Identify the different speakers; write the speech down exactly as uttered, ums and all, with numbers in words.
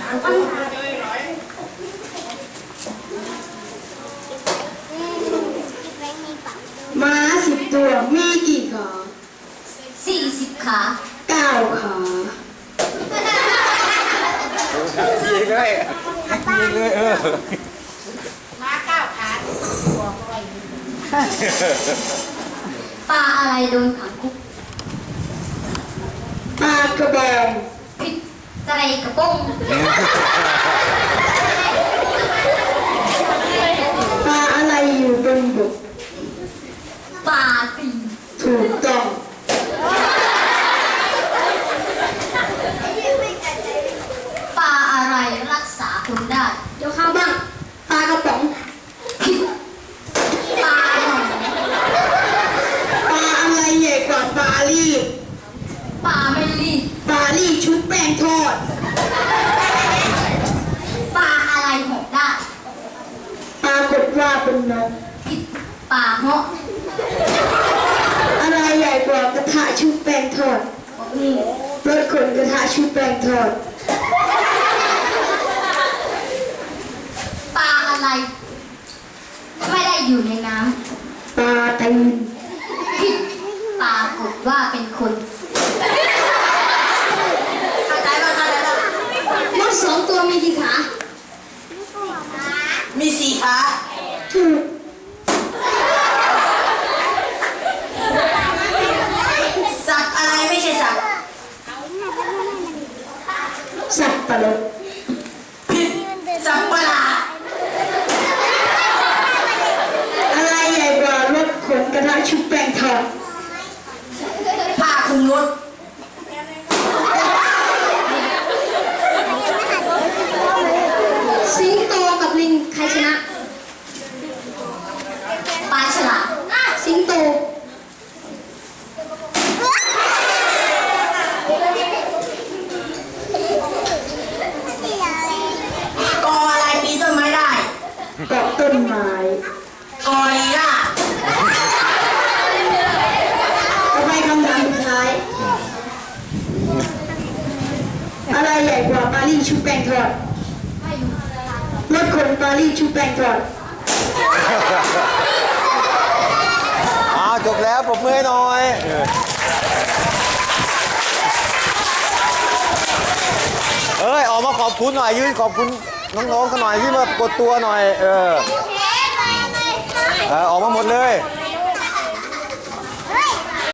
Speaker 1: ม้าสิบตัวมีกี่ขา
Speaker 2: สี่สิบขา
Speaker 1: เก้าขา
Speaker 3: ยิงเลยยิงเลยเออ
Speaker 4: ม้าเก้าขาหัวอะไร
Speaker 2: ปลาอะไรโดนขังคุก
Speaker 1: ปลากระบอง
Speaker 2: ผิดไตรกระป้ง
Speaker 1: ปลาอะไรอยู่บนบก
Speaker 2: ปลาตี
Speaker 1: ถูกต้อง
Speaker 2: ปลาอะไรรักษาคนได้
Speaker 1: เดี๋ยวข้าวบ้างปลากระป๋อง
Speaker 2: ผิดปลาหนอน
Speaker 1: ปลาอะไรใหญ่กว่าปลาลีบ
Speaker 2: ปลาไม่รีบ
Speaker 1: ปลาลีบชุบแป้งทอด
Speaker 2: ปลาอะไรหอกได้
Speaker 1: ปรากฏว่าเป็นนก
Speaker 2: ผิดปลาเหาะ
Speaker 1: อะไรใหญ่กว่ากระทะชุบแป้งทอดรถขนกระทะชุบแป้งทอด
Speaker 2: ปลาอะไรไม่ได้อยู่ในน้
Speaker 1: ปลาตีน
Speaker 2: ำผิดปรากฏว่าเป็นคน
Speaker 4: เข้าใจป่ะเข้าใจป่ะ
Speaker 1: มดสองตัวมีกี่ขา
Speaker 4: มีสี่ขา
Speaker 1: ถูก
Speaker 4: สัตว์อะไรไม่ใช่สัตว์
Speaker 1: สัตว์ประหลาด
Speaker 4: ผิดสัตว์ประหลาด
Speaker 1: อะไรใหญ่กว่ารถขนกระทะชุบแป้งทอด
Speaker 4: ผ้าคลุมรถ
Speaker 1: สิงโตกับลิงใครชนะ
Speaker 2: ปลาฉลาม
Speaker 1: สิงโต
Speaker 4: กออะไรปีนต้นไม้ได้
Speaker 1: เกาะต้นไม้
Speaker 4: กอลีลา
Speaker 1: ต่อไปคำถามสุดท้าย อะไรใหญ่กว่าปารีสชุบแป้งทอดรถขนปารีสชุบแป้งทอด
Speaker 3: อ้าวจบแล้วปรบมือให้หน่อยเออเอ้ยออกมาขอบคุณหน่อยยืนขอบคุณน้องๆกันหน่อยที่มากดตัวหน่อยเออเออออกมาหมดเลย
Speaker 4: ไ